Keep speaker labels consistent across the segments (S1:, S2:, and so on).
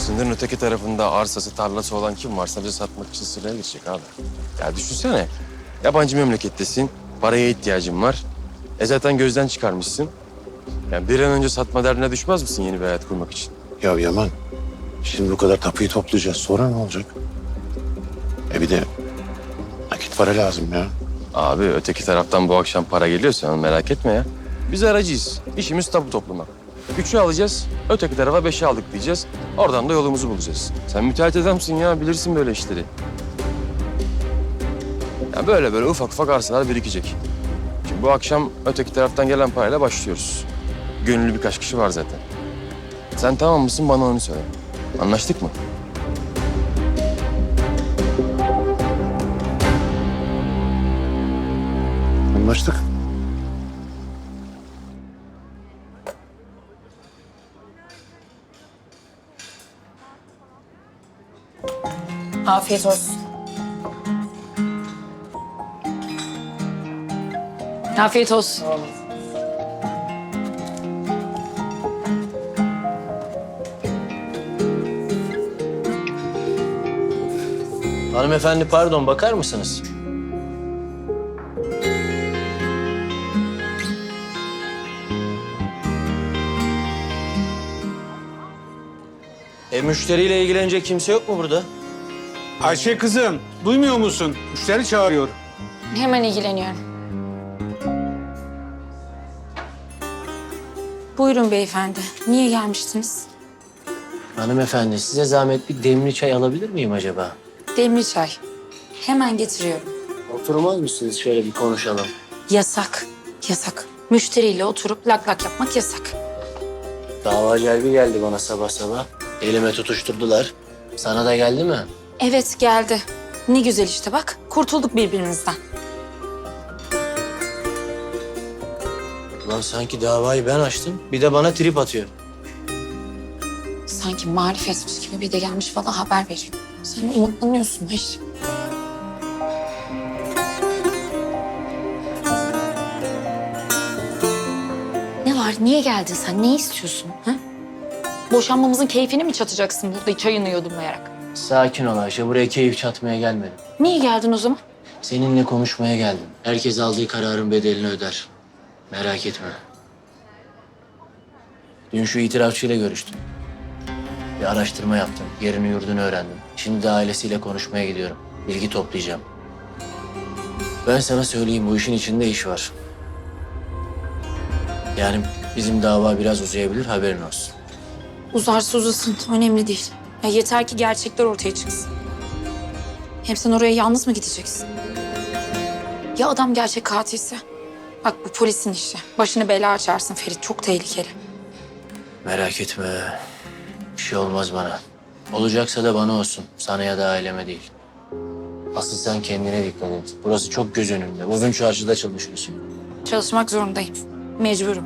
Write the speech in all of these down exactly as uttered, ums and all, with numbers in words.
S1: Sınırın öteki tarafında arsası, tarlası olan kim varsa sadece satmak için sıraya girecek abi. Ya düşünsene, yabancı memlekettesin, paraya ihtiyacın var. E zaten gözden çıkarmışsın. Yani bir an önce satma derdine düşmez misin yeni bir hayat kurmak için?
S2: Ya Yaman, şimdi bu kadar tapuyu toplayacağız. Sonra ne olacak? E bir de nakit para lazım ya.
S1: Abi öteki taraftan bu akşam para geliyorsa merak etme ya. Biz aracıyız. İşimiz tapu toplamak. Üçü alacağız, öteki tarafa beşi aldık diyeceğiz. Oradan da yolumuzu bulacağız. Sen müteahhit adamsın ya, bilirsin böyle işleri. Ya böyle böyle ufak ufak arsalar birikecek. Şimdi bu akşam öteki taraftan gelen parayla başlıyoruz. Gönüllü birkaç kişi var zaten. Sen tamam mısın bana onu söyle. Anlaştık mı?
S2: Anlaştık.
S3: Afiyet olsun. Afiyet olsun.
S4: Hanımefendi pardon bakar mısınız? E müşteriyle ilgilenecek kimse yok mu burada?
S5: Ayşe kızım, duymuyor musun? Müşteri çağırıyor.
S3: Hemen ilgileniyorum. Buyurun beyefendi. Niye gelmiştiniz?
S4: Hanımefendi size zahmet bir demli çay alabilir miyim acaba?
S3: Demli çay. Hemen getiriyorum.
S4: Oturmaz mısınız şöyle bir konuşalım?
S3: Yasak. Yasak. Müşteriyle oturup lak lak yapmak yasak.
S4: Dava celbi geldi bana sabah sabah. Elime tutuşturdular. Sana da geldi mi?
S3: Evet geldi. Ne güzel işte bak. Kurtulduk birbirimizden.
S4: Ulan sanki davayı ben açtım. Bir de bana trip atıyor.
S3: Sanki marifetmiş gibi bir de gelmiş bana haber veriyor. Sen umutlanıyorsun Ayşe. Ne var? Niye geldin sen? Ne istiyorsun? Ha? Boşanmamızın keyfini mi çatacaksın burada çayını yudumlayarak?
S4: Sakin ol Ayşe. Buraya keyif çatmaya gelmedim.
S3: Niye geldin o zaman?
S4: Seninle konuşmaya geldim. Herkes aldığı kararın bedelini öder. Merak etme. Dün şu itirafçıyla görüştüm. Bir araştırma yaptım. Yerini yurdunu öğrendim. Şimdi de ailesiyle konuşmaya gidiyorum. Bilgi toplayacağım. Ben sana söyleyeyim bu işin içinde iş var. Yani bizim dava biraz uzayabilir haberin olsun.
S3: Uzarsa uzasın. Önemli değil. Ya yeter ki gerçekler ortaya çıksın. Hem sen oraya yalnız mı gideceksin? Ya adam gerçek katilse? Bak bu polisin işi. Başını bela açarsın Ferit. Çok tehlikeli.
S4: Merak etme. Bir şey olmaz bana. Olacaksa da bana olsun. Sana ya da aileme değil. Asıl sen kendine dikkat et. Burası çok göz önünde. Bugün çarşıda çalışıyorsun.
S3: Çalışmak zorundayım. Mecburum.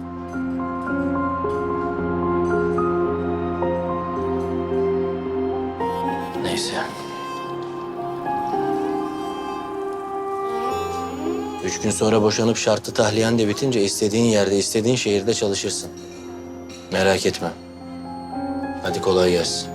S4: Neyse. Üç gün sonra boşanıp şartlı tahliyen de bitince istediğin yerde, istediğin şehirde çalışırsın. Merak etme. Hadi kolay gelsin.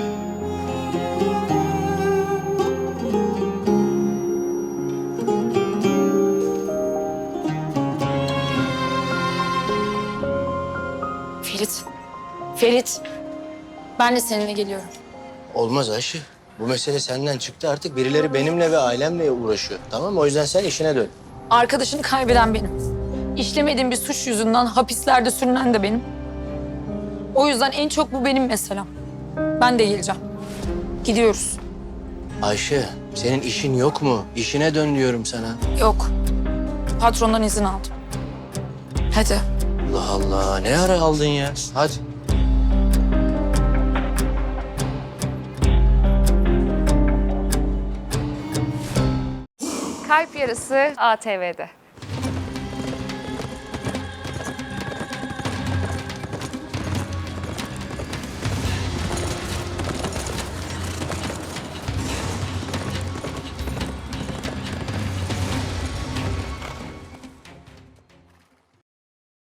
S3: Ferit. Ferit. Ben de seninle geliyorum.
S4: Olmaz Ayşe. Bu mesele senden çıktı artık. Birileri benimle ve ailemle uğraşıyor. Tamam mı? O yüzden sen işine dön.
S3: Arkadaşını kaybeden benim. İşlemediğim bir suç yüzünden hapislerde sürünen de benim. O yüzden en çok bu benim meselem. Ben de geleceğim. Gidiyoruz.
S4: Ayşe, senin işin yok mu? İşine dön diyorum sana.
S3: Yok. Patrondan izin aldım. Hadi.
S4: Allah Allah. Ne ara aldın ya? Hadi.
S6: Kalp Yarısı A T V'de.